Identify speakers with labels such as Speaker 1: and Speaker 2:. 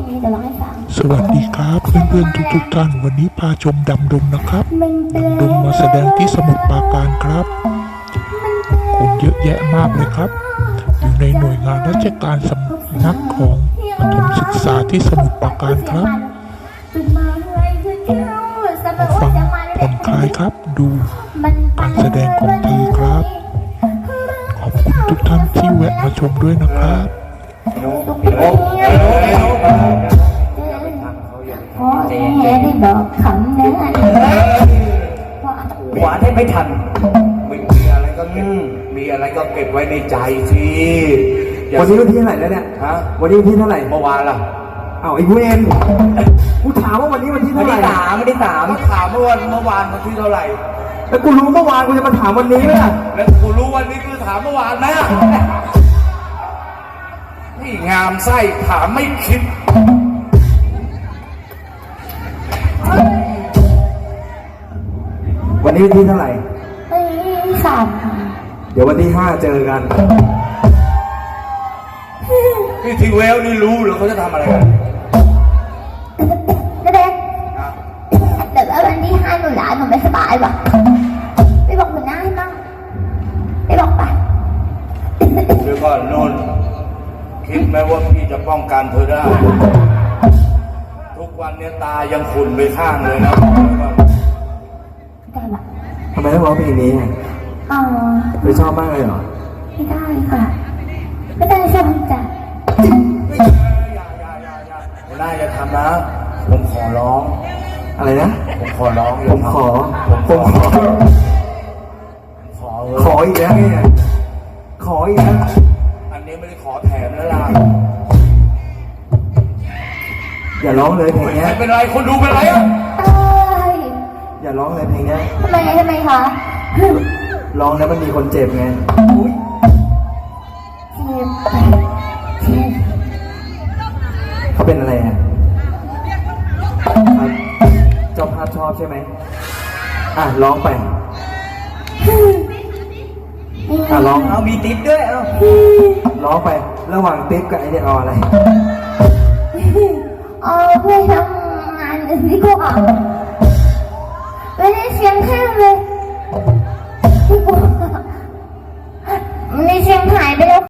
Speaker 1: เดี๋ยวร้องให้ฟัง
Speaker 2: สวัสดีครับเพื่อนๆทุกท่านวันนี้พาชมดำดงนะครับดำดงมาแสดงที่สมุทรปราการครับคนเยอะแยะมากเลยครับอยู่ในหน่วยงานราชการสำนักของประถมศึกษาที่สมุทรปราการครับมาฟังผ่อนคลายครับดูการแสดงของเธอครับขอบคุณทุกท่านที่แวะมาชมด้วยนะครับ
Speaker 1: พ่อแม่ได้บอกคำนั้น
Speaker 3: หวานให้ไม่ทันมีอะไรก็เก็บมีอะไรก็เก็บไว้ในใจสิ
Speaker 4: วันนี้วันที่เท่าไหร่แล้วเนี่ย
Speaker 3: ฮะ
Speaker 4: วันนี้วันที่เท่าไหร่
Speaker 3: เมื่อวานล่ะ
Speaker 4: อ้าวไอ้เวนกูถามว่าวันนี้วันที่เท่าไหร่
Speaker 3: วันที่สามก็ถามเมื่อวานวันที่เท่าไหร่
Speaker 4: แล้วกูรู้เมื่อวานกูจะมาถามวันนี้ไหมล่ะ
Speaker 3: แล้วกูรู้วันนี้กูถามเมื่อวานไหมนี่งามไส้ถามไม่คิด
Speaker 4: วันนี้วันที่เท่าไหร่
Speaker 1: 3ค่ะ
Speaker 4: เดี๋ยววันที่5เจอกัน
Speaker 3: นี่ทีเวลนี่รู้เหรอเขาจะทำอะไรกัน
Speaker 1: เด็กแต่ว่าวันที่5หนูหนูไม่สบายว่ะไปบอกหัวหน้าให้บ้างไปบอกไป
Speaker 3: เดี๋ยวก่อนนุ่นคิดไหมว่าพี่จะป้องกันเธอได้ทุกวันนี้ตายังขุ่นไปข้างเลยนะ
Speaker 1: ได้ปะ
Speaker 4: ทำไมต้องร้องเพลงนี้ไม่ชอบมากเลยเหรอ
Speaker 1: ไม่ได้ค่ะไม่ได้ชอบจ้ะ
Speaker 3: หัวหน้าอย่าทำนะผมขอร้อง
Speaker 4: อะไรนะ
Speaker 3: ผมขอร้อง
Speaker 4: ผมขออีกแล้วเนี่ยขออีกแล้ว
Speaker 3: อันนี้ไม่ได้ขอแถมแล้วล่ะ
Speaker 4: อย่าร้องเลยเพลงนี้
Speaker 3: เป็นไรคนดูเป็นไรอ่ะ
Speaker 4: อย่าร้องเลยเพลงนี้
Speaker 1: ทำไมคะ
Speaker 4: ร้องแล้วมันมีคนเจ็บไงเขาเป็นอะไรอ่ะเจ้าภาพชอบใช่ไหมร้องไปร้อง
Speaker 3: เอามีติ๊บด้วย
Speaker 4: ร้องไประหว่างติ๊บกับไอเนี่ยเอาอะไร
Speaker 1: เพื่อทำงานอื่นดีกว่า